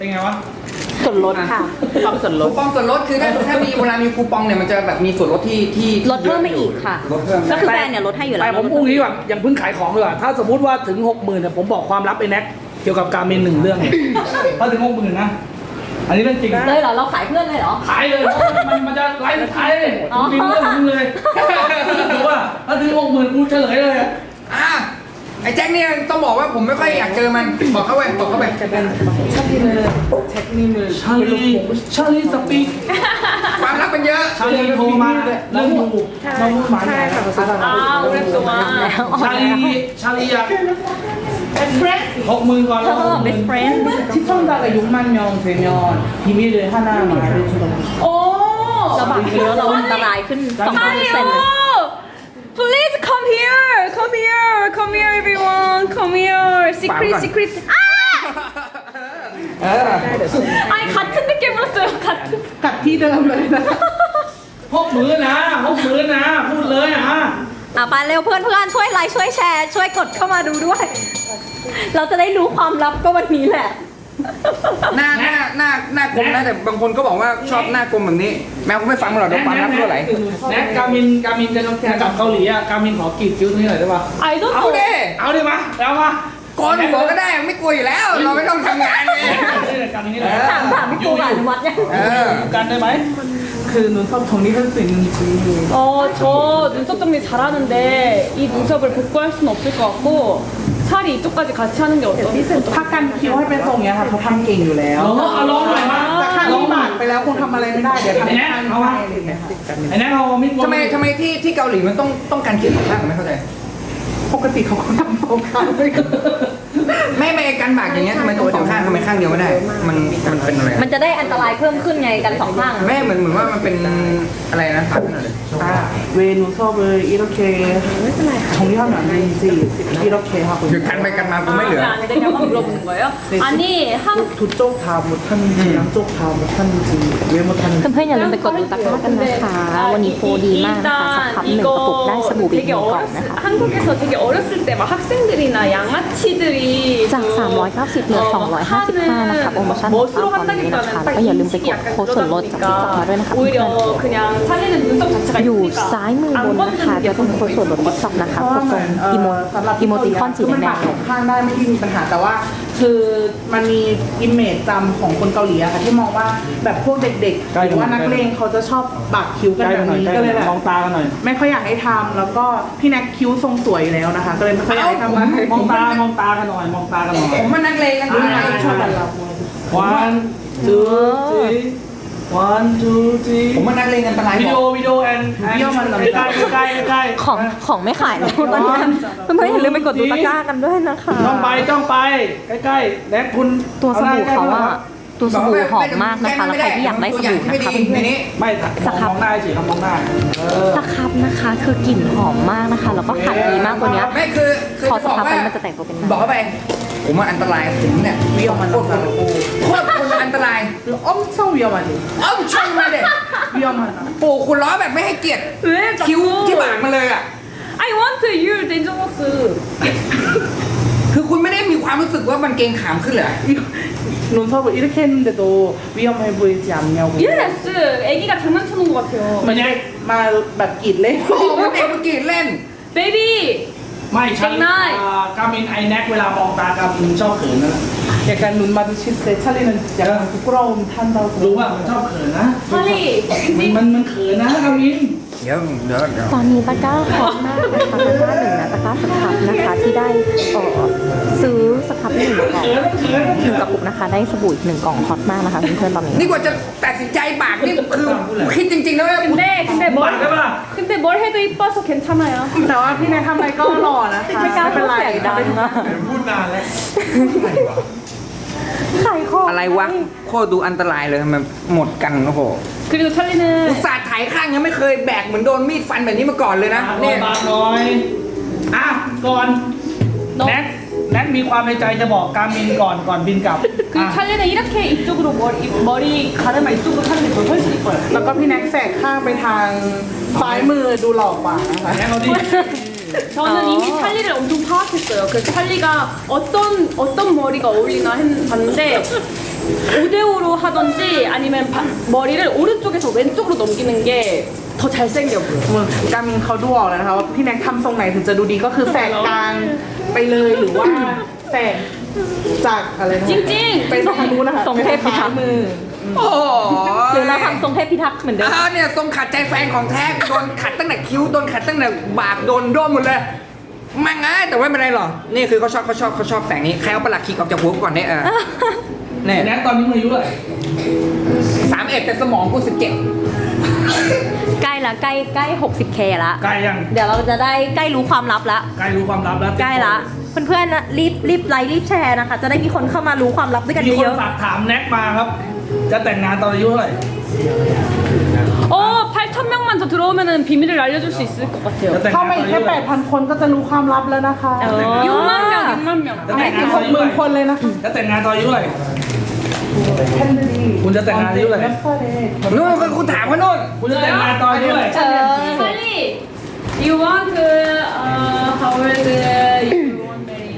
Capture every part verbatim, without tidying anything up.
เป็นไงวะส่วนลดค่ะความส่วนลคูดปองส่วนลดคือถ้าถ้ามีเวลามีคูปองเนี่ยมันจะแบบมีส่วนลดที่ที่ลดเพิ่มไปอีกค่ะลดเพิ่มก็คือแบรนด์เนี่ยลดให้อยู่แล้วแต่ผมพูดงี้ดีกว่ายังเพิ่งขายของเลยว่ะถ้าสมมติว่าถึงหกหมื่นเนี่ยผมบอกความลับไอ้แน็กเกี่ยวกับการเมนหนึ่งเรื่องเนี่ยถ้าถึงหกหมื่นนะอันนี้เรื่องจริงเลยเหรอเราขายเพื่อนเลยเหรอขายเลยเพราะมันมันจะไลฟ์สุดท้ายเลยผมมีเรื่องของมึงเลยถือว่าถ้าถึงหกหมื่นกูเฉลยเลยอะอ่ะไอ้แจ็คเนี่ยต้องบอกว่าผมไม่ค่อยอยากเจอมันบอกเข้าไปบอกเข้าไปชาลีชาลีสปีกความลับมันเยอะชาลีโทรมาเรื่องดูน้องหมาเนี่ยอ้าวเรื่องตัวแล้วชาลีชาลีอยากหกหมื่นก่อนเธอ best friend 시청자가 육만 명 되면 비밀을 하나 말해주던데. โอ้เราบักเยอะเราอันตรายขึ้นสองเปอร์เซ็นต์เลย Please come here, come here, come here, everyone, come here. Secret, secret. 아! เออ 아니 같은 느낌 불었어요. 같은. 같이 들어가면 หกหมื่นนะหกหมื่นนะพูดเลยอ่ะอ่ะไปเร็วเพื่อนเพื่อนช่วยไลค์ช่วยแชร์ช่วยกดเข้ามาดูด้วย เราจะได้รู้ความลับก็วันนี้แหละหน้าหน้าหน้าหน้ากลมนะแต่บางคนก็บอกว่าชอบหน้ากลมแบบนี้ แมวก็ไม่ฟังมันหรอกเดี๋ยวความลับเท่าไหร่แน็กกามินกามินจะกลับเกาหลีอ่ะกามินขอกรีดคิ้วตรงนี้หน่อยได้ปะ I don't เอา know. ดิเอาดิมาแล้วมาโกนหัวก็ได้ไม่กลัวอยู่แล้ว เราไม่ต้องทำงานเลยกามินนี่แหละถามถามพี่ปูกับอนุวัฒน์ยังเออกันได้ไหม 그 눈썹 정리할 수 있는지. 어, 저 눈썹 정리 잘하는데 이 눈썹을 복구할 수는 없을 것 같고 차라리 이쪽까지 같이 하는 게 어떠, 어떠 ถ้ากันคิ้วให้เป็นทรงเนี้ยค่ะเขาทำเก่งอยู่แล้วลองเอาลองหน่อยมาแต่ข้างลองนี้หน่บาอยดไปแล้วคงทำอะไรไม่ได้เดี๋ยวทำไอ้แน็กข้างเอาให้วะอะไรอย่างเงี้ยค่ะไอ้แน็กเอามิดทำไมทำไมที่ที่เกาหลีมันต้องต้องการเขียนสองข้างไม่เข้าใจปกติเขาก็ทำสองข้างไม่ก็ไม่ไม่การบากอย่างเงี้ยทำไมต้องสองข้างทำไมข้างเดียวไม่ได้ มันมันเป็นอะไรมันจะได้อันตรายเพิ่มขึ้นไงกันสองข้างอะแม่เหมือนเหมือนว่ามันเป็นอะไรนะถามหน่อยเลย 아, 왜 눈썹을 이렇게 정리하면 안 되는지 이렇게 하고 หยุดกันไปกันมากูไม่เหลือ 아, 안 되냐고 물어보는 거예요? 아니 한 두 쪽 다 못하는지 양쪽 다 못하는지 왜 못하는지 เพื่อนๆอย่าลืมไปกดดูตะกร้ากันนะคะ วันนี้โปรดีมากนะคะสักพับหนึ่งกระปุกได้สบู่บีบห 되게 นึ่งกล่อง 어렸을 นะคะ 한국에서 되게 어렸을 때 막 학생들이나 양아치들이 จาก 그 สามร้อยเก้าสิบเหลือ สองร้อยห้าสิบห้า นะคะโปรโมชั่นของ 멋으로 เราตอนนี้นะคะ 한다기보다는 ก็อย่าลืมไปกดโค้ดส่วนลดจากติ๊กต็อกมาด้วยนะคะเพื่อน 오히려 그냥 찰리는 눈썹 자체가 ๆอยู่ 예쁘니까 ซ้ายมือบนนะคะ 안 จะเป็น 걷는 โค้ดส่วนลดติ๊กต็อกนะคะกดตรงอีโมสำหรับอีโมติคอนสีแดมันงบาดสองข้างได้ไม่ที่มีปัญหาแต่ว่า คือมันมีอิมเมจจำของคนเกาหลีอะค่ะที่มองว่าแบบพวกเด็กๆหรือว่านักเลงเขาจะชอบปากคิ้วกันใกล้แบกันหน่อยบนี้ใกล้ก็เลยแบบมองตากันหน่อยไม่ค่อยอยากให้ทำแล้วก็พี่แน็กคิ้วทรงสวยอยู่แล้วนะคะ ก็เลยไม่ค่อยอยากให้ทำมองตามองตากันหน่อยมองตากันหน่อยผมมันนักเลงกันอ่านะชอบแบบเรา one two three one two three ผมมันนักเลงอันตรายวิบดีอโอก วิดีโอแอนใกล้ใกล้ใกล้ของของไม่ขายแล้วตอนนี้เพื่อนๆอย่าลืมไปกดดูตะกร้ากันด้วยนะคะจ้องไปจ้องไปใกล้ๆแน็กคุณตัวสบู่เขาว่าตัวสบู่หอมมากนะคะแล้วใครที่อยากได้สบู่นะคะในเพื่อนนี้ไม่มองหน้าสิครับมองหน้าเออๆสครับนะคะ คือกลิ่นหอมมากนะคะ แล้วก็ขัดดีมากตัวเนี้ยไม่คือคือพอจะสบอกครับไปว่ามันจะแต่งตัวเป็นบอกน้ำเข้าไป ผมว่าอันตรายผมเนี่ยวิวมันโคตรคนโคตรคนอันตราย 엄청 위험하지 เอ้าชนมาเด็ก 위험하다 ปู่คุณล้อแบบไม่ให้เกียรติ 왜 คิ้ว 자꾸 ที่บากมาเลยอ่ะ I want you dangerous คือคุณไม่ได้มีความรู้สึกว่ามันเกรงขามขึ้นเหรอ 이거 눈썹을 이렇게 했는데도 위험해 보이지 않냐고 yes 애기가 장난쳐놓은 것 같아요 มันได้มาแบบกรีดเล่นโอ้โหเด็กเมื่อกี้เล่น baby ไม่ฉันเก่งได้กามินไอแน็กเวลามองตากามินชอบเขินนะ 약간 눈 마주칠 때 찰리는 약간 부끄러움 탄다고 รู้ว่ามันชอบเขินนะ 찰리 มันมันมันเขินนะกามินเดี๋ยวเดี๋ยวเดี๋ยวตอนนี้ตะกร้าฮอตมากนะคะตะกร้าหนึ่งนะตะกร้าสครับนะคะที่ได้เอ่อซื้อสครับหนึ่งกล่องเขินเขินหนึ่งกระปุกนะคะได้สบู่อีกหนึ่งกล่องฮอตมากนะคะเพื่อนๆตอนนี้นี่กว่าจะตัดสินใจบากนี่คือคิดจริงๆแล้วว่า 근데 근데 บ้า 뭘 ได้ปะล่ะ 근데 뭘 해도 이뻐서 괜찮아요 แต่ว่าพี่แนททำอะไรก็หล่อนะคะไม่กล้าไม่เป็นไรพูดเสียงดังนะพูดนานแล้วขายของอะไรวะโคตรดูอันตรายเลยมันหมดกันโอ้โห 그리고 อุต 찰리는 ส่าห์ถ่ายข้างยังไม่เคยแบกเหมือนโดนมีดฟันแบบนี้มาก่อนเลยนะเนี่เนี่ย ยบางน้อยอ่ะก่อนแน็กแน็กมีความในใจจะบอกกามินก่อนก่อนบินกลับ 그리고 찰리는 이렇게 이쪽으로 머리, 머리 가르마 이쪽으로 하는 게 더 훨씬 이뻐요 แล้วก็พี่แน็กแสกข้างไปทางซ้ายมือดูหล่อกว่านะคะแน็กเราดิ 저는 어. 이미 찰리를 엄청 파악했어요 그래서 찰리가 어떤 어떤 머리가 어울리나 했, 봤는데 오 대 오로 하던지 아니면 바, 머리를 오른쪽에서 왼쪽으로 넘기는 게 더 잘생겨 보여. เหมือนการมินเขาดูออกแล้วนะคะว่าพี่แน็กทำทรงไหนถึงจะดูดีก็คือแสกกลางไปเลยหรือว่าแสกจากอะไรนะจริงๆไปทางนู้นนะคะทรงเทพพิทักษ์มือโอ้โหหรือเราทำทรงเทพพิทักษ์เหมือนเดิมอ่าเนี่ยทรงขัดใจแฟนของแท้โดนขัดตั้งแต่คิ้วโดนขัดตั้งแต่บากโดนด้วมหมดเลยมังไงแต่ว่าไม่เป็นไรหรอกนี่คือเขาชอบเขาชอบเขาชอบแสงนี้ใครเอาประหลัดขีกออกจากหัวกูก่อนเนี่ยเออเนี่ยแน็กตอนนี้มึงอายุเท่าไหร่สามเอ็ดแต่สมองกูสิบเจ็ดใกล้ละใกล้ใกล้ หกสิบเค ละใกล้ยังเดี๋ยวเราจะได้ใกล้รู้ความลับละใกล้รู้ความลับแล้วใกล้ละ เพื่อนๆนะรีบรีบไลค์รีบแชร์นะคะ จะได้มีคนเข้ามารู้ความลับด้วยกันมีคนเยอะฝากถามแน็กมาครับ จะแต่งงานตอนอายุเท่าไหร่ 어, 팔천 명만 더 들어오면은 비밀을 알려줄 수 있을 것 จะ 같아요. แต่งเข้างานมาตอนอีกอายุแค่เท่าไหร่แปดพันคนก็จะรู้ความลับแล้วนะคะๆเออ 육만 명, 육만 명. จะไม่แต่งงาถึนงตหอนกอายุหเท่าไหร่มื่นคนเลยนะคะจะแต่งงานตอนอายุเท่าไหร่คุณจะแต่งงานอายุเท่าไหร่นู่นคุณถามเขานู่นคุณจะแต่งงานตอนอายุเท่าไหร่เออ 빨리. You want uh, how old you want marry?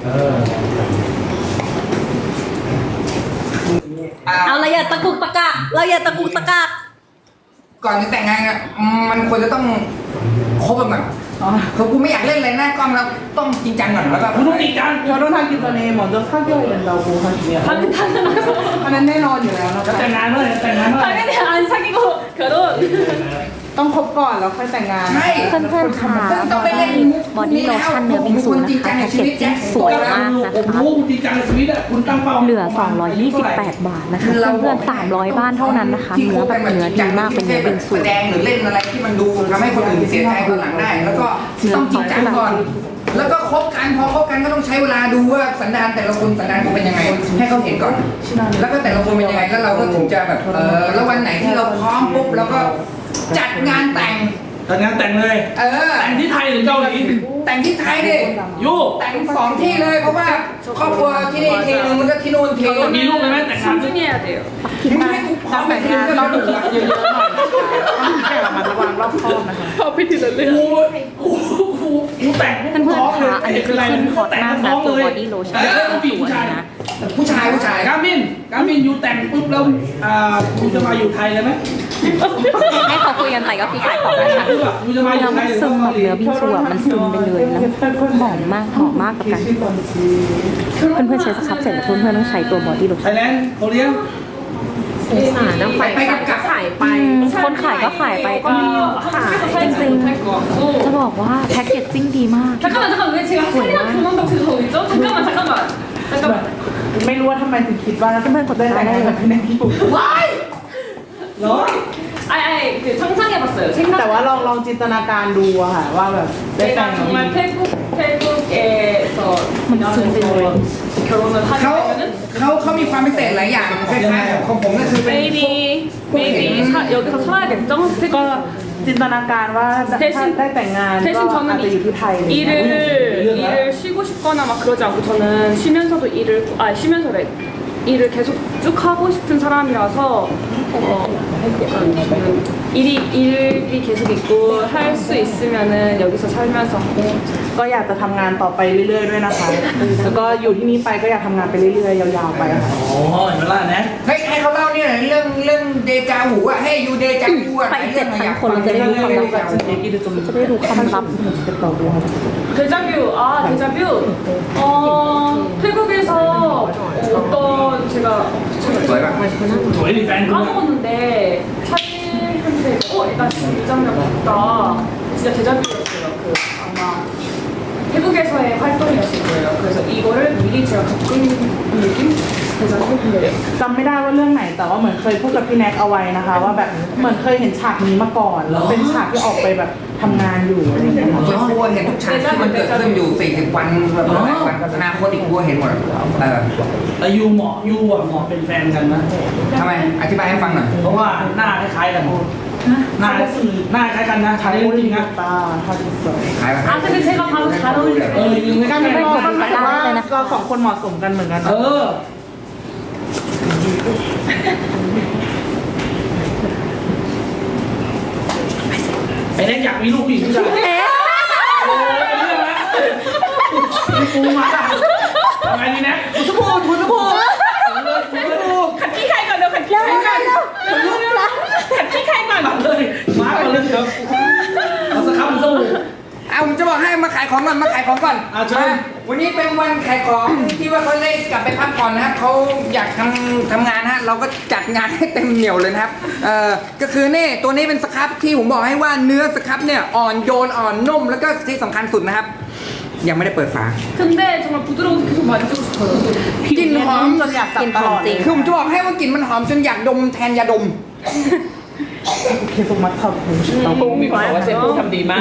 อ่าเอาเราอย่าตะกุกตะกักเราอย่าตะกุกตะกักก่อนจะแต่งงานอะมันควรจะต้องคบกันก่อนคือกูไม่อยากเล่นอะไรหน้ากล้องแล้วต้องจริงจังก่อนแล้วก็คุณต้องจริงจัง 결혼하기 전에 먼저 사귀어야 된다고 하시네요. 당연, 당연하죠. อันนั้นแน่นอนอยู่แล้วนะจะคะแต่งงานเมื่อไหร่จะแต่งงานเมื่อไหร่ 당연히 안 사귀고 결혼. ต้องคบก่อนแล้วค่อยแต่งงานใช่เพื่อนๆค่ะซึ่งต้องไปเล่นมุกบอดี้โลชั่นเนื้อบิงซูนะคะแพ็กเกจจิ้งสวยมากนะผมคะรู้จริงจังในชีวิตอะคุณตั้งเป้าเหลือ สองร้อยยี่สิบแปด บาทนะคะ เพื่อนๆสามร้อยบ้านเท่านั้นนะคะ เนื้อแบบเนื้อดีมากเป็นเนื้อบิงซูแสดงหรือเล่นอะไรที่มันดูทำให้คนอื่นเสียใจคนหลังได้ แล้วก็ต้องจริงจังก่อน แล้วก็คบกันพอคบกันก็ต้องใช้เวลาดูว่าสันดานแต่ละคนสันดานเขาเป็นยังไง ให้เขาเห็นก่อน แล้วก็แต่ละคนเป็นยังไงแล้วเราก็ถึงจะแบบเออแล้ววันไหนที่เราพร้อมปุ๊บเราก็จัดงานแต่งแต่งงานแต่งเลยเออแต่งที่ไทยหรือเกาหลีแต่งที่ไทยดิยูแต่งสองที่เลยเพราะว่าครอบครัวที่นี่ทีนึงมันก็ที่นู่นทีนึงมีลูกเลยไหมแต่งงาน 신중해야 돼요. มึงให้กูพร้อมไปแต่งทีงานนึงต้ก็องดูดูละเยอะๆหน่อยนะคะต้องแค่ระมัดระวังรอบคอบนะคะ 커피 들을래요? กูกูกูกูแต่งเพื่อนๆค่ะอันนี้คือขึ้นฮอตมากนะตัวบอดี้โลชั่นแต่งสผู้หญิงวยผู้ชายนะผู้ชายผู้ชายกามินกามินยูแต่งปุ๊บแล้วอ่ายูจะมาอยู่ไทยเลยไหมให้เขาคุยกันไปก็คือขายของนะคะยูจะมาอยู่แล้วไทมันยหรือซึมเกาแบบหลีเนื้อบิงซูอะมันซึมไปเลยแล้วหอมมากหอมมากกับกันเพื่อนๆใช้สครับเสร็จแล้วเพื่อนๆต้องใช้ตัวบอดี้โลไทชั่นยแลนด์เกาหลีไปไปกับกับอืมคนขายก็ขายไปก็ขายจริงๆ จะบอกว่าแพ็กเกจจิ้งดีมาก 잠깐만 잠깐만 왜 제가 소리가 그만 덕지가 어디죠? 잠깐만 잠깐만 잠깐만 ไม่รู้ว่าทำไมถึงคิดว่าจะได้แต่งงานกับพี่แน็กที่ปุ๊บเหรอ 아니 아니 그 상상해봤어요 แต่ 생각 ว่าลองลองจินตนาการดูอะค่ะว่าแบบได้แต่ง 내가 정말 태국 태국에서 일하면서 결혼을 เขา 하게 되면은 เขาเขามีความพิเศษหลายอย่างคล้ายๆกับของผมก็คือเป็น maybe maybe 사, 여기서 살아야겠죠? ก็ 태국 จินตนาการว่าถ้าได้แต่งงานก็ 대신 อาจจะอยู่ที่ไทย 저는 일을 일을 쉬고 싶거나 막 그러지 않고 저는 쉬면서도 일을 아 쉬면서래 일을 계속 쭉 하고 싶은 사람이라서 어, 약간 저는 일이 일이 계속 있고 할 수 있으면은 여기서 살면서 하고 ก็อยากจะทำงานต่อไปเรื่อยๆด้วยนะคะ แล้วก็อยู่ที่นี่ไปก็อยากทำงานไปเรื่อยๆยาวๆไปค่ะอ๋อเห็นไหมล่ะแน็กเฮ้ยให้เขาเล่าเนี่ยเรื่องเรื่องเดจาหูอะให้ยูเดจาหูอะไปเจ็ดพันคนเราจะได้รู้ความลับ จะได้รู้ความลับ 데자뷰 아 데자뷰 어 태국에서 어떤 제가 สวยป่ะสวยดีแฟนคุณ 까먹었는데 사진한테 어 일단 지금 이 장면 봤다 진짜 데자뷰였어요 그 아마 태국에서의 활동이었을 거예요 그래서 이거를 미리 제가 겪은 느낌 데자뷰 네. จำไม่ได้ว่าเรื่องไหนแต่ว่าเหมือนเคยพูดกับพี่แน็กเอาไว้นะคะ ว่าแบบเหมือนเคยเห็นฉากนี้มาก่อนแล้วเป็นฉากที่ออกไปแบบทำงานอยู่อะไรอย่างเงี้ยค่ะส่วนตัวเห็นทุกฉากที่มันเกิดขึ้นอยู่สี่สิบวันแบบหลายวันอนาคตอีกตัวเห็นหมดเออแต่ยูเหมาะยูอ่ะเหมาะเป็นแฟนกันนะทำไมอธิบายให้ฟังหน่อยเพราะว่าหน้าคล้ายๆกันหน้าหน้าคล้ายกันนะชาใช้ลีจลิริงงๆนะตาทาดิสวยขายไป 아 근데 제가 바로 잘 เออ 어울려요 ยูไม่การใช่เป็นกันคนหมายว่าเราสองคนเหมาะสมกันเหมือนกันเออไอ้เน็กอยากมีลูกผู้หญิงผู้ชายโอ้ยเรื่องละกูมาทำไงดีแน็กทุกคนทุกคนเลยกูเลยของก่อนมาขายของก่อนอ่ะเชิญมาวันนี้เป็นวันขายของที่ว่าเขาได้กลับไปพักผ่อนนะครับเขาอยากทำทำงานฮะเราก็จัดงานให้เต็มเหนียวเลยนะครับเอ่อก็คือนี่ตัวนี้เป็นสครับที่ผมบอกให้ว่าเนื้อสครับเนี่ยอ่อนโยนอ่อนนุ่มแล้วก็ที่สำคัญสุดนะครับ ยังไม่ได้เปิดฝา 근데 정말 부드러워서 계속 만지고 싶어요. กลิ่นหอมจนอยากจับตลอดจริงคือผมจะบอกให้ว่ากลิ่นมันหอมจนอยากดมแทนยาดมเคสุมัตทำผมชิตาปูมีคนบอกว่าเซปูทำดีมาก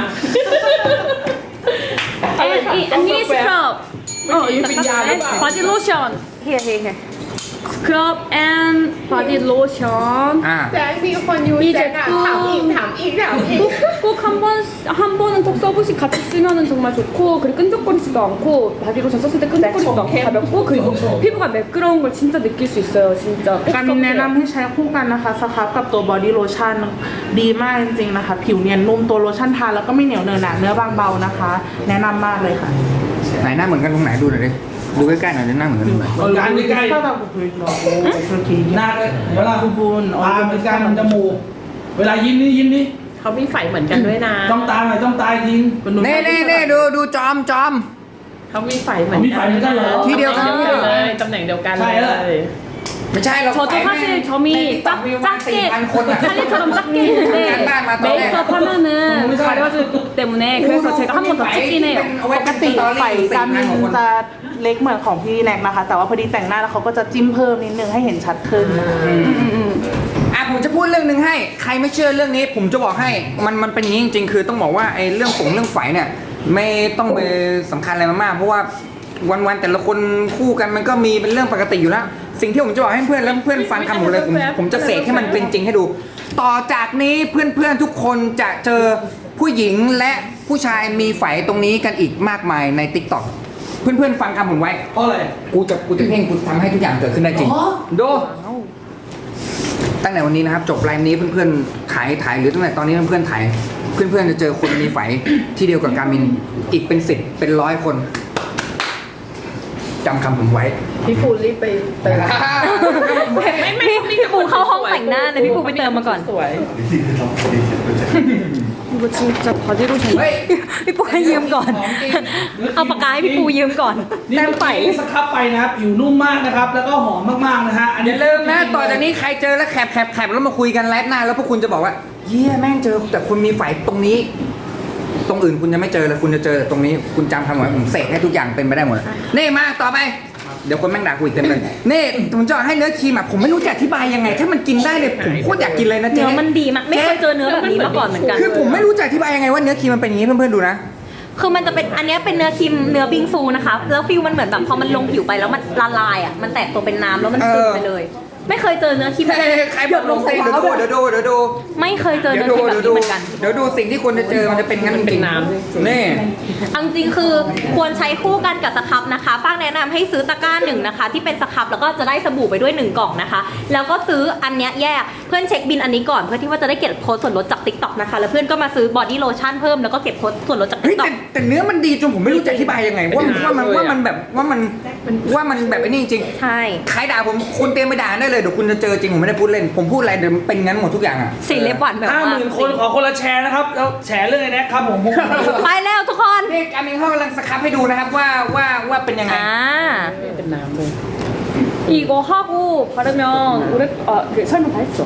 And 이 언니 스크럽. 어, 이 바디 로션. here here here 스크럽 and 바디 로션. อ่าแจ็คมีคนยูแจ็คอะถามอีกถามอีกถามอีก 꼭 한 번 한 번은 톡 써보시 같이 쓰면은 정말 좋고 그리고 끈적거리지도 않고 바디 로션 썼을 때 끈적거리지도 않고 가볍고 그리고 피부가 매끄러운 걸 진짜 느낄 수 있어요. 진짜. การมินแนะนำให้ใช้คู่กันนะคะสครับกับตัวบอดี้โลชั่นดีมากจริงๆนะคะ ผิวเนียนนุ่มตัวโลชั่นทาแล้วก็ไม่เหนียวเนอะหนะเนื้อบางเบานะคะ แนะนำมากเลยค่ะไหนหน้าเหมือนกันตรงไหนดูหน่อยดิดูใกล้ๆหน่อยดิหน้าเหมือนกันตรงไหนเอาการใกล้ก็ต้องคุยเราโอ้โหๆหน้าก็เวลาคุณบุญตาเหมือนกันจมูกเวลายิ้มนี่ยิ้มนี่เขามีไฟเหมือนกันด้วยนะจ้องตาหน่อยจ้องตาจริงเน่เน่เน่ดูดูจอมจอมเขามีไฟเหมือนมีไฟเหมือนกันเหรอที่เดียวกันเลยตำแหน่งเดียวกันใช่เลแล้วยไม่ใช่เรา 저도 ไปแม่ง 사실 점이 ใน 작, วิวมาสี่ 작게 พันคนอะ 찰리처럼 작게 간 있는데 บ้านมาตอนแรก 메이크업 하면은 가려지기 때문에 그래서 제가 한 번 더 찍긴 해요. เอาไว้ปกกันติตอรี่ไฟสี่การพัมินนกว่าคนจะเล็กเหมือนของพี่แน็กนะคะ แต่ว่าพอดีแต่งหน้าแล้วเขาก็จะจิ้มเพิ่มนิดนึงให้เห็นชัดขึ้นนะคะอ่ะผมจะพูดเรื่องหนึ่งให้ ใครไม่เชื่อเรื่องนี้ ผมจะบอกให้มันมันเป็นอย่างนี้จริงๆ คือต้องบอกว่าไอ้เรื่องฝงเรื่องไฝเนี่ยไม่ต้องไปสำคัญอะไรมากๆเพราะว่าวันๆแต่ละคนคู่กันมันก็มีเป็นเรื่องปกติอยู่แล้ว สิ่งที่ผมจะบอกให้เพื่อนแล้วเพื่อนฟังคำผมเลยผมผมจะเสกให้มันเป็นจริงให้ดู ต่อจากนี้เพื่อนๆทุกคนจะเจอผู้หญิงและผู้ชายมีไฝตรงนี้กันอีกมากมายใน ติ๊กต็อก เพื่อนๆฟังคำผมไว้เพราะอะไรกูจะกูจะเพ่งกูทำให้ทุกอย่างเกิดขึ้นได้จริงอ๋อดูตั้งแต่วันนี้นะครับ จบไลฟ์นี้เพื่อนๆถ่ายถ่ายหรือตั้งแต่ตอนนี้เพื่อนๆถ่ายเพื่อนๆจะเจอคนมีไฝที่เดียวกับการมินอีกเป็นสิบเป็นร้อยคนจำคำผมไว้พี่ปูรีบไปเติมไม่ไม่พี่ปูเข้าห้องแต่งหน้าเลยพี่ปูไปเติมมาก่อนสวย 이거 진짜 바디 로션 เฮ้ยพี่ปูให้ยืมก่อนของจริงเอาปากกาให้พี่ปูยืมก่อนนี่แต้มเมื่อไฝกี้สครับไปนะครับผิวนุ่มมากนะครับ แล้วก็หอมมากๆนะฮะอันอนี้ย่าลืมนะต่อจากนี้ใครเจอแล้วแคปแคปแคปแล้วมาคุยกันไลฟ์หน้าแล้วพวกคุณจะบอกว่าเยี่ยแม่งเจอแต่คุณมีไฝตรงนี้ ตรงอื่นคุณจะไม่เจอเลยคุณจะเจอแต่ตรงนี้คุณจำคำไว้ผมเสกให้ทุกอย่างเป็นไปได้หมดนี่มาต่อไป เดี๋ยวคนแม่งด่ากูอีกเต็มเลยนี่ผมจะให้เนื้อครีมอ่ะผมไม่รู้จะอธิบายยังไง ถ้ามันกินได้เลยผมโคตรอยากกินเลยนะเจ๊เนื้อมันดีมากไม่เคยเจอเนื้อแบบนี้มาก่อนเหมือนกันคือผมไม่รู้จะอธิบายยังไงว่าเนื้อครีมมันเป็นอย่างนี้เพื่อนๆดูนะคือมันจะเป็นอันเนี้ยเป็นเนื้อครีมเนื้อบิงซูนะคะแล้วฟิลมันเหมือนแบบพอมันลงผิวไปแล้วมันละลายอ่ะมันแตกตัวเป็นน้ำแล้วมันซึมไปเลย ไม่เคยเจอเนื้อครีมเฮ้ยใครบอกลงเต้นเดี๋ยวดูเดี๋ยวดูเดี๋ยวดูไม่เคยเจอเดี๋ยเนื้วอคดูรีมแบบเดี๋ยวดูนี้เหมือนกันเดี๋ยวดูสิ่งที่คุณจะเจอมันจะเป็นงั้นจเป็รินงน้ำจริงๆนี่เอาจริงๆคือควรใช้คู่กันกับสครับนะคะป้างแนะนำให้ซื้อตะกร้าหนึ่งนะคะที่เป็นสครับแล้วก็จะได้สบู่ไปด้วยหนึ่งกล่องนะคะ แล้วก็ซื้ออันเนี้ยแยกเพื่อนเช็คบินอันนี้ก่อนเพื่อที่ว่าจะได้เก็บโค้ดส่วนลดจาก ติ๊กต็อก นะคะแล้วเพื่อนก็มาซื้อบอดี้โลชั่นเพิ่มแล้วก็เก็บโค้ดส่วนลดจากเฮ้ยติ๊กต็แต่อกแต่เนื้อมันดีจนผมไม่รู้จะอธิบายยังไงว่าว่ามันว่ามันแบบว่ามันว่ามันแบบไอ้นี่จริงใช่ใครด่าผมคุณเตรียมไปด่าได้เลยเดี๋ยวคุณจะเจอจริงผมไม่ได้พูดเล่นผมพูดอะไรเดี๋ยวมันเป็นงั้นหมดทุกอย่างอ่ะสีเล็บหวานแบบห้าหว่ามื่นคนขอคนละแชร์นะครับแล้วแชร์เรื่องไอ้แน็กครับผมผมไปแล้วทุกคนนี่การมินเขากำลังสครับให้ดูนะครับว่าว่าว่าเป็นยังไงอ่าเป็นน้ำเลย 이거 하고 바르면 오래 아그 설명 다 했죠.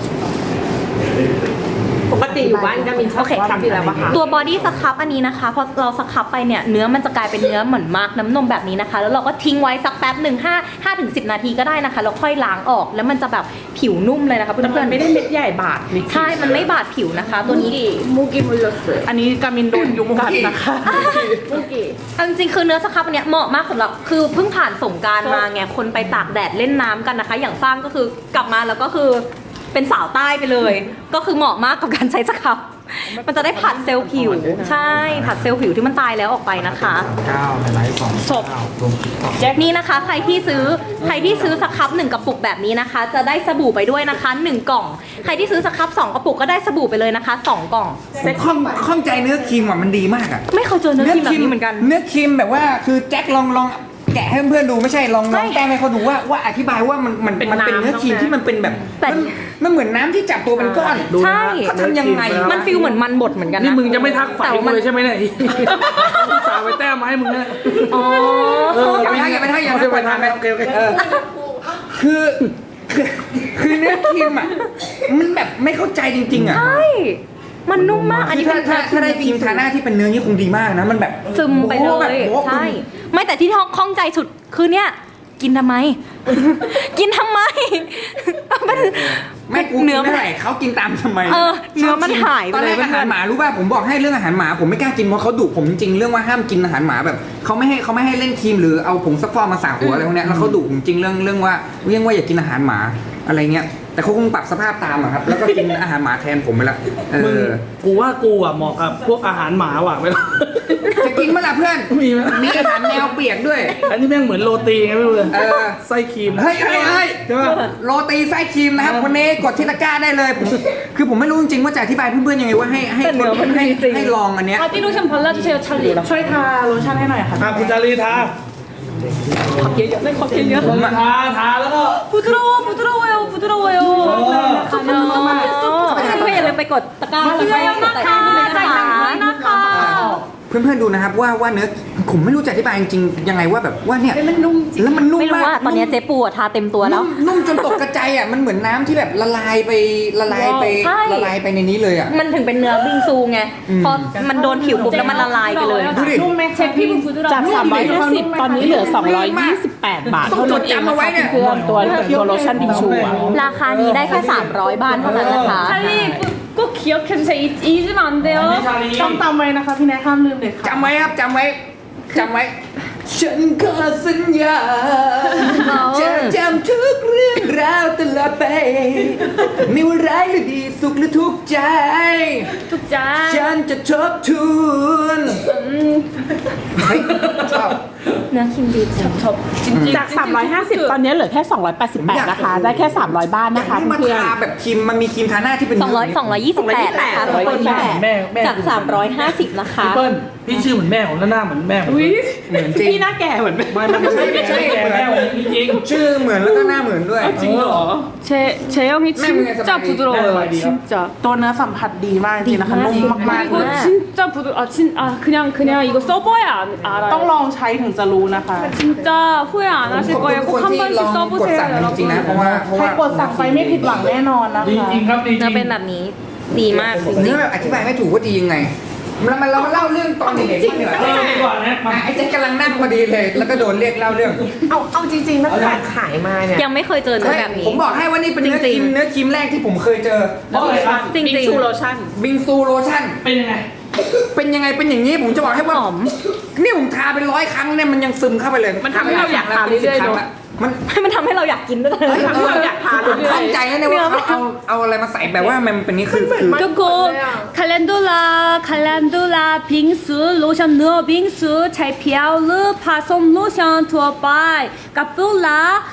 ปกติอยู่บ้านก็มินชอบใส่ทำอยู่แล้วปะคะตัวบอดี้สครับอันนี้นะคะพอเราสครับไปเนี่ยเนื้อมันจะกลายเป็นเนื้อเหมือนมากน้ำนมแบบนี้นะคะ แล้วเราก็ทิ้งไว้สักแป๊บหนึ่งห้าห้าถึงสิบนาทีก็ได้นะคะแล้วค่อยล้างออกแล้วมันจะแบบผิวนุ่มเลยนะคะเพื่แต่มัอนนไม่ได้เม็ดใหญ่บาดนิดๆใช่มันไม่บาดผิวนะคะ ตัวนี้ 목이 물렸어요. อันนี้การมินโดนยุงกัดนะคะ 목이. เอาจริงๆคือเนื้อสครับอันเนี้ยเหมาะมากสำหรับคือเพิ่งผ่านสงกรารมาไงคนไปตากแดดเล่นน้ำกันนะคะ อย่างสร้างก็คือกลับมาแล้วก็คือเป็นสาวใต้ไปเลย ก็คือเหมาะมากกับการใช้สครับ มันจะได้ผัดเซลล์ผิว ใช่ผัดเซลล์ผิวที่มันตายแล้วออกไปนะคะเก้าไลฟ์สองศพนี่นะคะใครที่ซื้อใครที่ซื้อสครับหนึ่งกระปุกแบบนี้นะคะ จะได้สบู่ไปด้วยนะคะหนึ่งกล่อง ใครที่ซื้อสครับสองกระปุกก็ได้สบู่ไปเลยนะคะสองกล่องผมข้องข้องใจเนื้อครีมอ่ะมันดีมากอ่ะไม่เคยเจอเนื้อครีมแบบนี้เหมือนกันเนื้อครีมแบบว่าคือแจ็คลองลองแกะให้เพื่อนๆดูไม่ใช่ลองลองใช่แกล้งให้เขาดูว่าว่าอธิบายว่ามันมันมันเป็นเนื้อครีมที่มันเป็นแบบแต่มันมันเหมือนน้ำที่จับตัวเป็นก้อนดูนะใช่เขาทำยังไงมันฟิลเหมือนมันบดเหมือนกันนะนี่มึงจะไม่ทักฝ่ายแต่กูมันเลยใช่ไหมเนี่ยอุตส่าห์เอาไปแต้มมาให้มึงเนี่ยอ๋อเอออย่าไปทักอย่าไปทักอย่าโอไปเคทักไปทางกันโอเคโอเคเออคือคือคือเนื้อครีมอ่ะมันแบบไม่เข้าใจจริงๆอ่ะใช่ มันนุ่มมาก อันนี้ถ้าเป็นถ้าถ้าได้ครีมทาหน้าที่เป็นเนื้อนี่คงดีมากนะมันแบบซึมไปเลโอ้โหแบบยโอ้โหใช่ ไม่แต่ที่ข้องใจสุดคือเนี่ย กินทำไม กินทำไมมันไม่กูเนื้กินอไม่ไหวเขากินตามทำไมเออเนื้อมันหายไปตอนแรกเลยอาหารหมารู้ป่ะผมบอกให้เรื่องอาหารหมาผมไม่กล้ากินเพราะเขาดุผมจริงๆเรื่องว่าห้ามกินอาหารหมาแบบเขาไม่ให้เขาไม่ให้เล่นครีมหรือเอาผงซักฟอกมาสาหัวอะไรพวกเนี้ยแล้วเขาดุผมจริงเรื่องเรื่องว่าเรื่องว่าอย่ากินอาหารหมาอะไรเงี้ยแต่เขาคงปรับสภาพตามอะครับแล้วก็กินอาหารหมาแทนผมไปละเอมึงอกูว่ากูอ่ะเหมาะกับพวกอาหารหมาว่ะไม่รู้จะกินเมื่อไหร่เพื่อนมีไหมมีอาหารแมวเปียกด้วยอันนี้แม่งเหมือนโรตีไงไม่รู้เลยเออไส้ครีมเฮ้ยเฮ้ยเฮ้ยใช่ป่ะโรตีไส้ครีมนะครับคนนี้กดที่ตะกร้าได้เลยผมคือผมไม่รู้จริงๆว่าจะอธิบายเพื่อนๆยังไงว่าให้ให้คนให้ให้ลองอันเนี้ย 바디 로션 발라주세요 찰리 ช่วยทาโลชั่นให้หน่อยค่ะอ่ะคุณจารีทา 네 커피 요 ผมทาทาแล้วก็ 부드러워 부드러워요 부드러워요 เพื่อนๆอย่าลืมไปกดตะกร้าแล้วก็กดใจายด้วยนะคะเพื่อนๆดูนะครับว่าว่าเนื้อผมไม่รู้จะอธิบายจริงๆยังไงว่าแบบว่าเนี่ยแล้วมันนุ่มไม่รู้มากว่าตอนนี้เจ๊ปูอะทาเต็มตัวแล้วนุ่มนุ่มจนตกกระจายอ่ะมันเหมือนน้ำที่แบบละลายไปละลายไปใช่ละลายไปในนี้เลยอ่ะมันถึงเป็นเนื้อบิงซูไง พอมันโดนผิวปุ๊บแล้วมันละลายไปเลยดูดินุ่มไหมคะ 제 피부 부드러워 จาก สามร้อยห้าสิบ ตอนนี้เหลือ สองร้อยยี่สิบแปด บาท เท่านั้นเองนะคะเพื่อนๆตัวตัวโลชั่นบิงชูอะราคานี้ได้แค่สามร้อยบาทเท่านั้นนะคะ 찰리 꼭 기억해주세요 잊- 잊으면 안 อัน 돼요 นี้ชาลีต้องจำไว้นะคะพี่แนทห้ามลืมเด็ดขาดจำไว้ครับจำไว้จำไว้ฉันขอสัญญาจะจำทุกเรื่องราวตลอดไปไม่ว่าร้ายหรือดีสุขหรือทุกข์ใจ tuk자 ฉันจะทบทวนเฮ้ยชอบเนื้อครีมดีจังจาก สามร้อยห้าสิบ ตอนนี้เหลือแค่ สองร้อยแปดสิบแปด นะคะ ได้แค่ สามร้อยบาทนะคะให้มันเพื่อนทาแบบครีมมันมีครีมทาหน้าที่เป็นสองร้อยสองร้อยยี่สิบแปดนะคะทุกคนแม่แม่แม่จากสามร้อยห้าสิบนะคะพี่เปิ้ลพี่ชื่อเหมือนแม่ผมแล้วหน้าเหมือนแม่ผมเหมือนจริงพี่หน้าแก่เหมือนไม่ไม่ใช่ไม่ใช่แม่ผมจริงชื่อเหมือนแล้วก็หน้าเหมือนด้วยจริงเหรอ 제 제형이 네, 네, 진짜 네, 부드러워요 네, 네, 진짜 ตัวเนื้อสัมผัสดีมากจริงๆนะคะนุ่มมากๆ 그리고 เลย 진짜 부드 아진아 그냥 그냥 이거 써봐야 알- ต้อง 알아요 ลองใช้ถึงจะรู้นะคะ 진짜 후회 안 하실 ผม 거예요 เป็น 꼭 คน 한 ที่ล 번씩 องกด 써보세요 สั่งจริงๆนะ 여러분 เพราะว่าเพราะใครว่ากดสั่งไปไม่ผิดหวังแน่นอนนะดีคะจริงครับดีจริเนื้อง เป็นแบบนี้ ดีมากจริเนื้งอแบบอธิบายไม่ถูกว่าดียังไงเรามาเรามาเล่าเรื่องตอนเด็กๆบ้างดีกว่าเออดีกว่านะมาอ่ะไอ้เจ๊กำลังนั่งพอดีเลย แล้วก็โดนเรียกเล่าเรื่องเอาเอาจริงๆตั้งแต่ขายมาเนี่ยๆ ยังไม่เคยเจอเนื้อแบบนี้ผมบอกให้ว่านี่เป็นเนื้อครีมเนื้อครีมแรกที่ผมเคยเจอเพราะอะไรครับจริงบิงๆชูโลชั่นบิงซูโลชั่นเป็นยังไงเป็นยังไงเป็นอย่างนี้ผมจะบอกให้ว่าหอมนี่ผมทาเป็นร้อยครั้งเนี่ยมันยังซึมเข้าไปเลยมันทำให้เราอยากทาเป็นสิบเรื่อยๆครั้งเนอะละมันมันทำให้เราอยากกินด้วยนะมันทำให้เราอยากทานผมเข้าใจแล้วเนี่ยว่าเขาเอาเอาอะไรมาใส่แบบว่ามันเป็นนี่คือคือ 조금 칼렌돌라 칼렌돌라 빙수 로션 누어 빙수 잘 피아우르 파솜 로션 투어 바이 까뿔라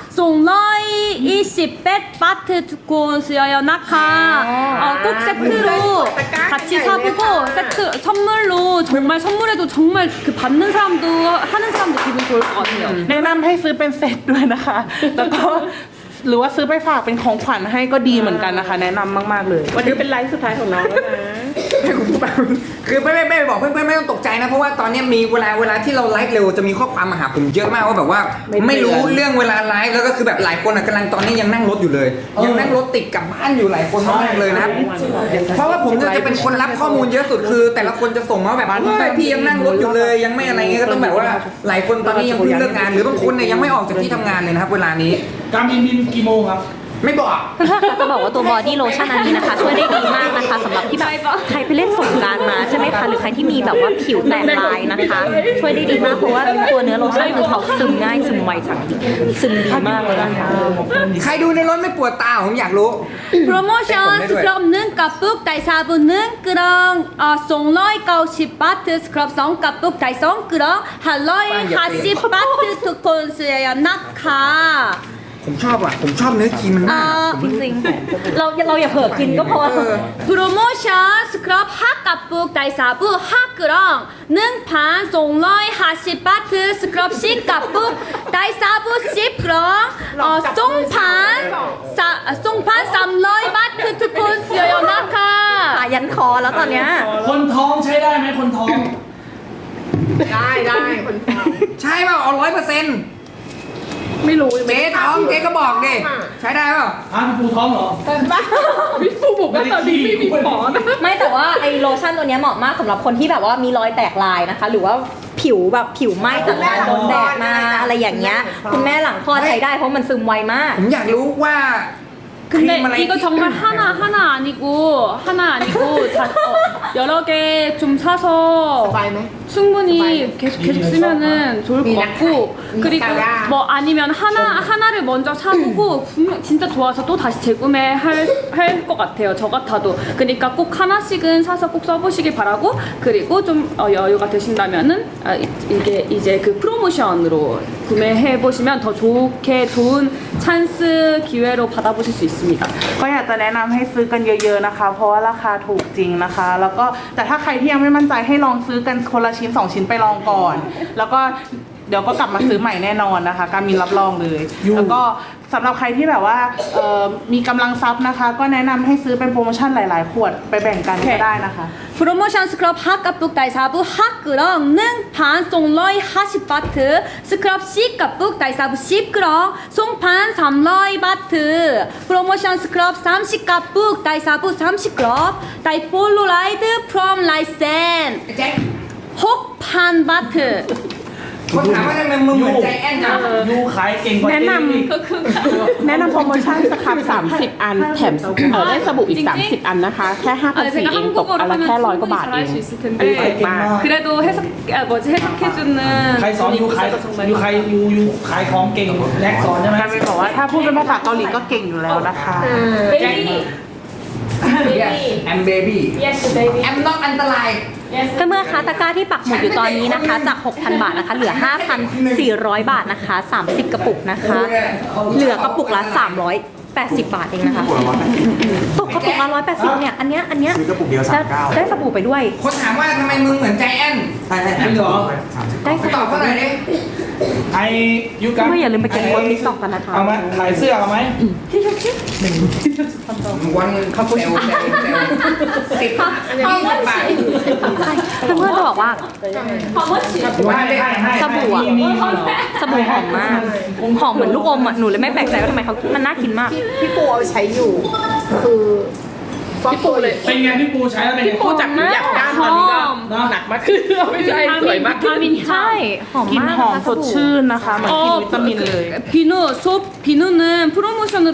송러이 이십 백 바트 두콘 수여요 나카 어, 꼭 세트로 같이 사보고 세트 선물로 정말 선물해도 정말 그 받는 사람도 하는 사람도 기분 좋을 것 같아요 แนะนำให้ซื้อเป็นเซตด้วยนะคะ แล้วก็หรือว่าซื้อไปฝากเป็นของขวัญให้ก็ดีเหมือนกันนะคะ แนะนำมากๆเลยวันนี้เป็นไลฟ์สุดท้ายของน้องแล้วนะให้คุณพูดไปคือไม่ไม่ไม่บอกเพื่อนๆไม่ต้องตกใจนะเพราะว่าตอนนี้มีเวลาเวลาที่เราไลฟ์เร็วจะมีข้อความมาหาผมเยอะมากว่าแบบว่า ไม่รู้เรื่องเวลาไลฟ์แล้วก็คือแบบหลายคนอ่ะกำลังตอนนี้ยังนั่งรถอยู่เลย ยังนั่งรถติดกลับบ้านอยู่หลายคนมากเลยนะครับเพราะว่าผมจะเป็นคนรับข้อมูลเยอะสุดคือ แต่ละคนจะส่งมาแบบเฮ้ยพี่ยังนั่งรถอยู่เลยยังไม่อะไรเงี้ยก็ต้องแบบว่าหลายคนตอนนี้ยังเพิ่งเลิกงานหรือบางคนเนี่ยยังไม่ออกจากที่ทำงานเลยนะครับเวลานี้การบินบินกี่โมงครับไม่บอกเพื่อนๆคะจะบอกว่าตัวบอดี้โลชั่นอันนี้นะคะ ช่วยได้ดีมากนะคะสำหรับที่แบบใครไปเล่นสงกรานต์มาใช่ไหมคะหรือใครที่มีแบบว่าผิวแตกลายนะคะ ช่วยได้ดีมากเพราะว่าตัวเนื้อโลชั่นคือเขาซึมง่ายซึมไวสังดีซึมดีมากเลยนะคะใครดูในรถไม่ปวดตาผมอยากรู้ 프로모션 스크럽는 까북 달사부는 끄렁 어, 송러이 가우십 바트 스크럽 성 까북 달성 끄렁 할러이 하십 바트 투콘스예요 나카 ผมชอบอ่ะผมชอบเนื้อครีมมันมากอ่าผมจริงๆเราเราอย่าเผลอกินก็พอเออ 프로모션 스크럽 하 까북 달사부 하 끄렁 능판 송러이 하십 바트 스크럽 시 까북 달사부 십 끄렁 어, 송판 사, 송판 삼러이 바트 투콘스예요 나카 อ่ะยันคอแล้วตอนเนี้ยคนท้องใช้ได้ไหมคนท้องได้ได้คนท้องใช่เปล่าเอาร้อยเปอร์เซ็นต์ไม่รู้เจ๊ท้องเจ๊ก็บอกดิใช้ได้เปล่าอ้าวพี่ปูท้องเหรอพี่ปูบอกว่าตอนนี้ไม่มีหมอนะไม่แต่ว่าไอโลชั่นตัวเนี้ยเหมาะมากสำหรับคนที่แบบว่ามีรอยแตกลายนะคะ หรือว่าผิวแบบผิวไหม้จากการโดนแดดมาอะไรอย่างเงี้ยคุณแม่หลังคลอดใช้ได้เพราะมันซึมไวมากผมอยากรู้ว่าครีมอะไร 근데 이거 정말 하나 하나 아니고 하나 아니고 다 어, 여러 개 좀 ส 사서 บายไหม 충분히 계속 계속 쓰면은 좋을 것 미나카, 같고 그리고 미나카가. 뭐 아니면 하나 하나를 먼저 사보고 분명 진짜 좋아서 또 다시 재구매할 할 것 같아요. 저 같아도 그러니까 꼭 하나씩은 사서 꼭 써보시길 바라고 그리고 좀 어, 여유가 되신다면은 아, 이- 이게 이제 그 프로모션으로 구매해 보시면 더 좋게 좋은 찬스 기회로 받아보실 수 있습니다. ก็อยากจะแนะนำให้ซื้อกันเยอะๆนะคะ เพราะว่าราคาถูกจริงนะคะ แล้วก็แต่ถ้าใครที่ยังไม่มั่นใจให้ลองซื้อกันคนละชิ้นสองชิ้นไปลองก่อน แล้วก็เดี๋ยวก็กลับมาซื้อใหม่แน่นอนนะคะ การมีรับรองเลย แล้วก็สำหรับใครที่แบบว่าเอ่อมีกำลังทรัพย์นะคะ ก็แนะนำให้ซื้อเป็นโปรโมชั่นหลายๆ ขวดไปแบ่งกันก็ได้นะคะ 프로모션 스크럽 핫가북 달사부 핫그렁 능 반송러이 하십바트 스크럽 C가북 달사부 십그렁 송판 삼러이 바트 프로모션 스크럽 삼십가북 달사부 삼십그렁 다이폴로라이드 프롬 라이센 แจ็ค 혹판 바트 เขาถามว่าทำไมมึงเหมือนใจแอนจังยูขายเก่งกว่าแนะเจ๊นำอีกแนะนำโปรโมชั่นสครับสามสิบอันแถมเออได้สบู่อีก สามสิบ อันนะคะ แค่ห้าพัน 아니 สี่ 제가 เองตก 한국어로 อันละ 하면 แค่ร้อยกว่า 충분히 บาทเอ 잘할 ง 수 있을 เก่ง 텐데 มาก 그래도 해석 아, 뭐지 해석해주는 ใครสอน 분이 ยูขาย 있어서 정말 ยูขายยูยูขายของเก่งแน็กสอนใช่ไหมการเป็นบอกว่าถ้าพูดเป็นภาษาเกาหลีก็เก่งอยู่แล้วนะคะแจ็ค yes I'm baby Yes baby I'm not อันตรายเมื่อคะตะกร้าที่ปักหมุดอยู่ตอนนี้นะคะ จาก 6,000 บาทนะคะ เหลือ ห้าพันสี่ร้อย บาทนะคะ สามสิบ กระปุกนะคะ เหลือกระปุกละ สามร้อยแปดสิบ บาทเองนะคะตกกระปุกละหนึ่งร้อยแปดสิบเนี่ย อันเนี้ย อันเนี้ยซื้อกระปุกเดียวสามเก้าได้สบู่ไปด้วยคนถามว่าทำไมมึงเหมือนใจแอนใช่ใช่จริงเหรอได้สตอบบู่เขาหน่อยดิไอยูกันก็อย่าลืมไปเก็บโพสต์ติ๊กต็อกกันนะคะเอาไหมขายเสื้อเอาไหมวันเขาเซลเซลเซลสิบยี่สิบบาทใช่เพื่อนๆจะบอกว่าว่าเลยสบู่อะมีเหรอสบู่หอมมาก หอมเหมือนลูกอมอ่ะ หนูเลยไม่แปลกใจว่าทำไมเขามันน่ากินมากพี่ปูเอาใช้อยู่ คือพี่ปูเลยเป็นไงพี่ปูใช้แล้วเป็นไงปูจากอยากด้านตอนนี้ก็หนักมากขึ้นไม่ใช่สวยมากขึ้นใช่ หอมกลินมากหอมนะคะสดชื่นนะคะเหมือนกินวิตามินเลย 비누 소 비누는 프로모션으로